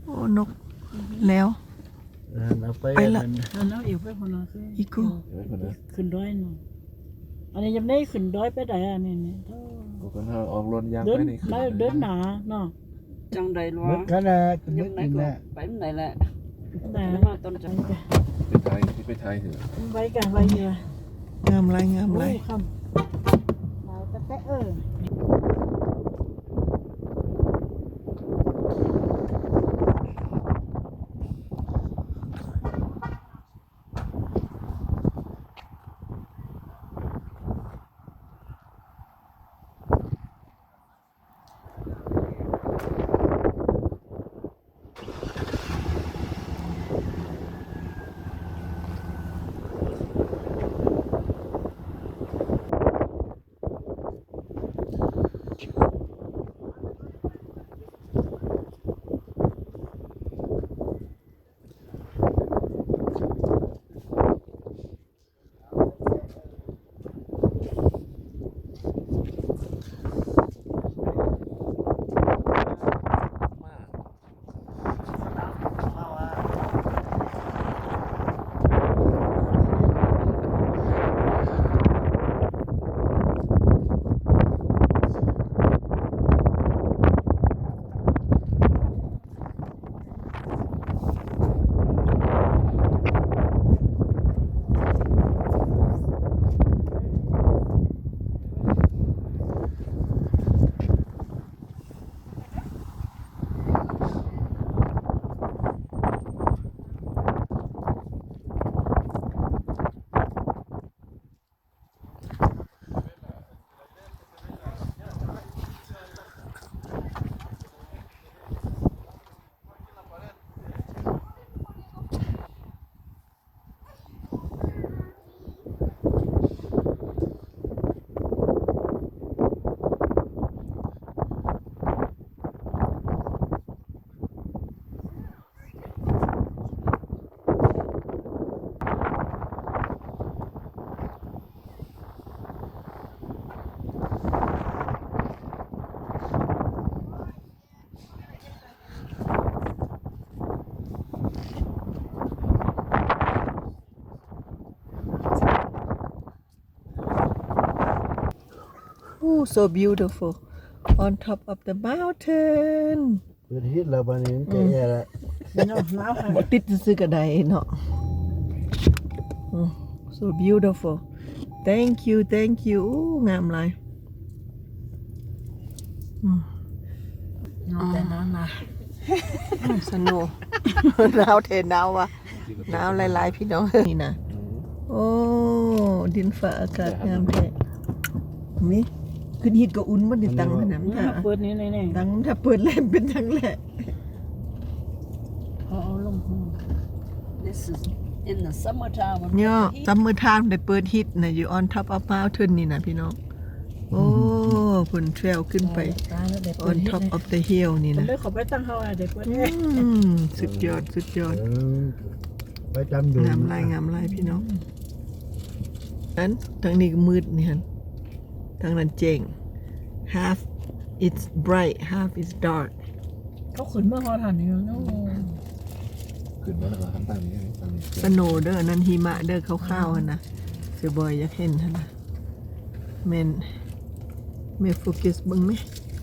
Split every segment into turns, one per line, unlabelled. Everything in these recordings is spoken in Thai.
โอ้นกแล้ว
เอาไป
ละ
แล้วอีกไปคนละคือ
อีกู
ขึ้นด้อยหน่อยอันนี้ยังได้ขึ้นด้อยไปได้อันนี้นี่
ก็กันถ้าออกรถยาง
เดิน
ไปนี่
ไม่เดินหนาเนาะ
จังใดหรอ
mất cái là
ยัง
mất
ไหน
cái
ก็
là
ไปไหนแหละ
แต่
มาต้นจัง
ไปไทยที่ไปไทยเถอะ
ไปกันไปเยอะ
งามไรงามไร
คำเราจะแตะ
โอ้ so beautiful on top of the mountain
bữa hít là bạn ấy cái là
เนาะน้าวค่ะ
บ่ติดซื้อกระไดเนาะ so beautiful thank youโอ้งามไร
แต่น้ำนะ
สนุก หนาวเทหนาวว่ะหนาวหลายๆพี่น้องนี่นะโอ้ดินฟ้าอากาศงามแท้นี่ขึ้นฮิตก็อุ่นบ่ได้ตังขนาดนั้น
เปิดนี้นี่
ตังถ้าเปิดเล่นเป็นจังแหละ
เอาลง
This is in the summertime
เนี่ยซัมเมอร์ไทม์ได้เปิดฮิตนะอยู่ on top of mountain นี่นะพี่น้องโอ้ผลเทรลขึ้นไป on top of the hill นี่
ผม
นะ
ได้ขอไปตั้งเฮาเด็กวันนี้
สุดยอด
phải trăm đường
งามลายพี่น้องนั้นทางนี้ก็มืดนี่ฮะทางนั้นเจ๋ง half it's bright half is dark
เขาขึ้นเมื่อฮอทันนี่เนาะ
ขึ้นมาแล้วก็ทำตั้งนี้ตั้งนี้
สโนว์เด้อนั่นหิมะเด้อขาวๆหั่นนะเสือบอยอยากเห็นหั่นนะแม่โฟกัสเบิ่งไหม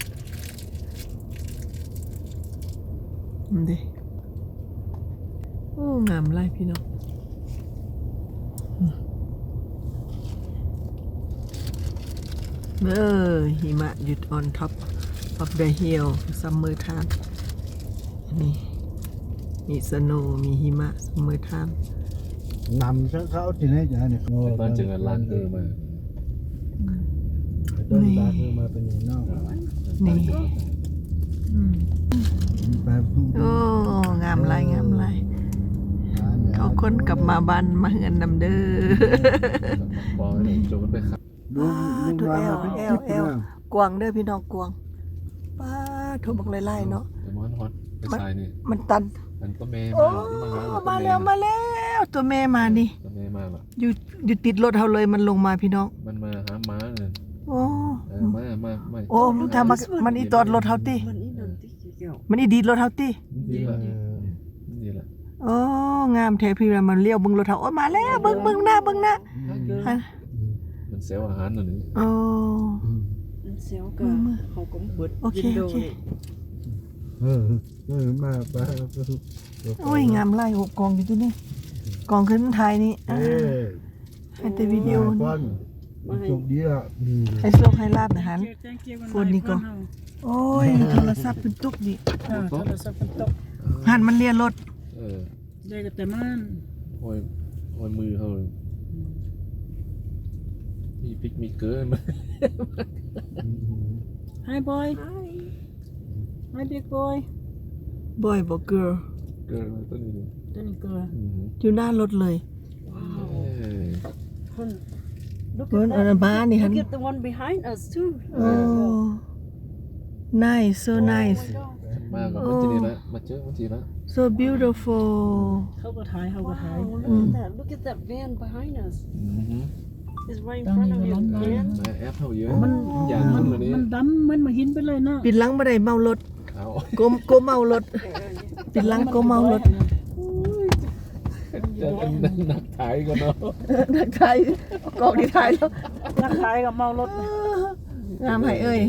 มันเด้โอ้งามหลายพี่น้องหิมะหยุด on top of the hill summer time นี่มีสโนว์มีหิมะ summer time
nằm sáng khảo trên đấy chả này
ตอนเจอร้านคือมา
đơn baคือมาเป็นอย่างนอก
นี่
แบบ
โอ้งามหลายเขาคนกลับมาบ้านมาเฮือนนำเด้อ
บอลจนมันไปขับ
ดูดูว่าเป็นคลิปนะ
กวางเด้อพี่น้องกวางป้าโทรบอกไล่ๆเนาะ
แต่มันฮอตไปทรายนี่
มันตัน
มันก็เมย์
โอ้
มาที่
มา
มา
แล้วตัวแม่มานี่
ก็เมย์มาหรอ
อยู่ติดรถเฮาเลยมันลงมาพี่น้อง
มันมาหาม้าเลย
โอ้
มา
โอ้ถ้ามันอีตอดรถเฮาติ
มันนี่นั่นที่เกี่ยว
มันอีดีดรถเฮาติ
มนี่แหละนี่แหละ
โอ้งามแท้พี่ว่ามันเลี้ยวเบิ่งรถเฮาโอ้ยมาแล้วเบิ่งหน้าหัน
มันเซลล์อาหารหน่อยนึง
โอ้
xéo cả họ cũng bớt
Ok,
window
ok.
này
มาไป
โอ้ยงามไล่หกกองอยู่ที่นี่กองขึ้นไทยนี่ให้แต่วิดีโอนี่
ป้อนจบดีอ่ะ
ให้โชคให้ลาบนะฮัน
Thank you
คนนี่ก็ โอ้ยโทรศัพท์เป็นตุกดิ
โทรศัพท์เป็นตก
หันมันเลียรถ
ได้ก็แต่มัน
ห้อยมือเขามีพริกมีเกลือมา
Hi boy Hi big boy
บอยบอกเกิร์ล
เกลือมาต้นนี้
ตัวนี้เกลือ
อยู่หน้ารถเลย
look
เพิ่น
at
อัน
that
นั้นบ้านนี่ฮัน
look at the one behind us too
โอ้ nice so nice
มากับมันจะนี่ละมาเจอมันทีละ
so beautiful
เขาก็ถ่าย
wow look at that van behind us it's right in
ตั้ง
front
นี่
of
มัน
you
ล้ำ
man
มาแอปเท่าเยอะ
มัน
อย่าง
มั
นั้น นเลยนี่
มันดำเหมือนมาหินไปเลยเนาะ
ปิดหลังบ่ได้เมารถ
เอา
โกเมารถปิดหลังโกเมารถ
จะนักถ่ายกันเนาะ
นักไทยกองที่ไทยแล้ว
นักขายกับเมารถ
งามให้เอ้ย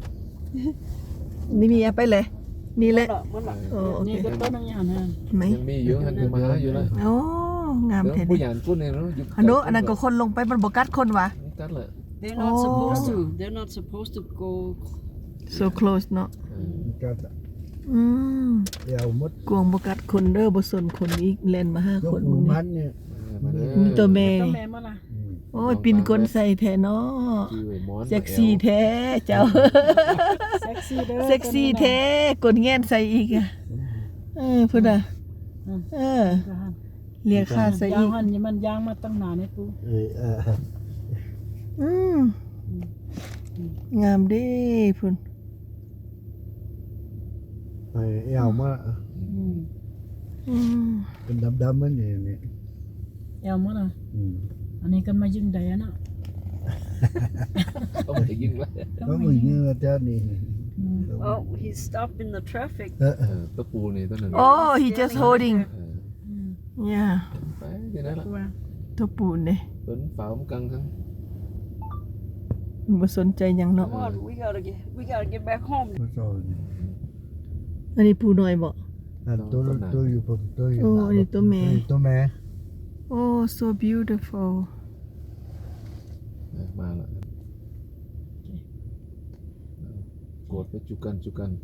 นี่มีไปเลยนี่แหละ
Mất lại
โอ้โอเค
นี่ก็ต้นอย่างนั้น
ไหม
ยังมีเยอะหันคือมาหาอยู่แล้ว
โอ้งาม
เดี๋ยว
แท้
ผู้
ดิ
หญิงพูดเนี่ยเนาะยุค
อันโนอันนั้นก็คนลงไปมันบ่กัดคนวะ
กัดเลย
they're not
Oh.
supposed to they're not supposed to go
so close เนาะ
กัด
อืม
เดี๋ยวมด
กวงบ่กัดคนเด้อบ่สนคนอีกแล่นมาหาย
ก
คน
ห
มึ
มู่
ง
บ้า
นี่
นเนี่ย
มาเลย
มีตัวแม่
ต้น
นี่
แม่มาล่ะ
โอ้ยปินก้นใส่แท้เนาะ
ชื่อไอ้มอน
เซ็กซี่แท้เจ้า
เซ็กซี่เด้อ
เซ็กซี่แท้กดแง่นใส่อีกอ่ะพุ่นน่ะเรียกค่าใส่
ยา
อี
ง
ก
หันนี่มันยางมาตั้งนานนี่ปู
อืมงามเด้พุ่น
ไปเอามา
อืม
เป็นดำๆมันนี่นี่
เอวมาล่ะอันนี้กันมายิงใดอะเนาะ
ต้องไปยิงแล้ว
ก็มึงเนี่ยเจ้านี่
oh he stopped in the traffic
ตะปูนี่ต้นนึง
โอ้ he just holding yeah
ไปที่นั่นละ
ตัวปูนเด้
เป็นฝาผมกังทั้ง
บ่สนใจหยังเนาะ
come on we gotta get back home
มาสอน
อันนี้ปูน้อยบ่
ตัวอยู่ผมตัวอยู่
โอ้อันนี้ตัวแม่
ตัวแม่
โอ้ so beautiful
มาละกดไปจุกัน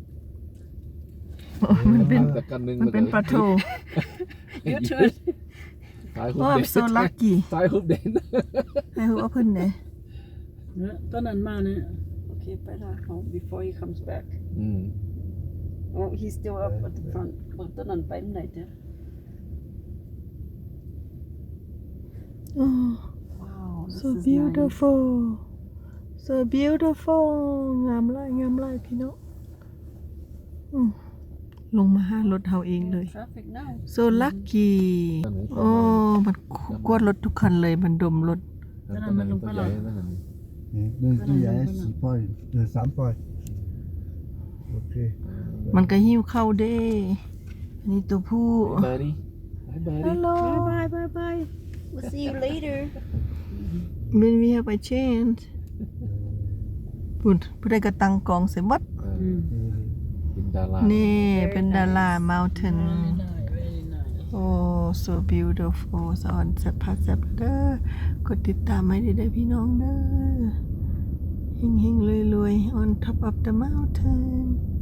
โอ้ยมันเป็น
แต่กันนึง
มันเป็นปลาโถ
you too
ตายหุบ
โอ้
เด่
I'm
น
so lucky
ตายหุบเด่น
ให้ฮู้ว่าเพิ่นเด้
เนี่ยต้นนั้นมาเนี่ย
okay better home before he comes back oh he's still up at the front ตอนนั้นไปไหนเจ้ะ
โอ้
wow this
so
is nice
beautiful so beautiful งามหลายพี่น้องลงมาหารถเฮาเองเลย
traffic now
so lucky โอ้มันกวดรถทุกคันเลยมันดมรถ
ตัวใหญ่นั่น
หนึ่งตัวใหญ่4 ปอย3 ปอยโอเค
มันก็หิ้วเข้าเด้อันนี้ตัวผู้
บาร์ดี้
ฮัลโหล
bye
we'll see you later
when we have a chance ปุ่นผู้ใดก็ตั้งกองเสร็จหมด
เป็นดารา
นี่เป็นดารา mountain
very nice
โอ้ so beautiful สอนแซ่บพักแซ่บเด้อกดติดตามให้ได้พี่น้องเด้อเฮงๆรวยๆ on top of the mountain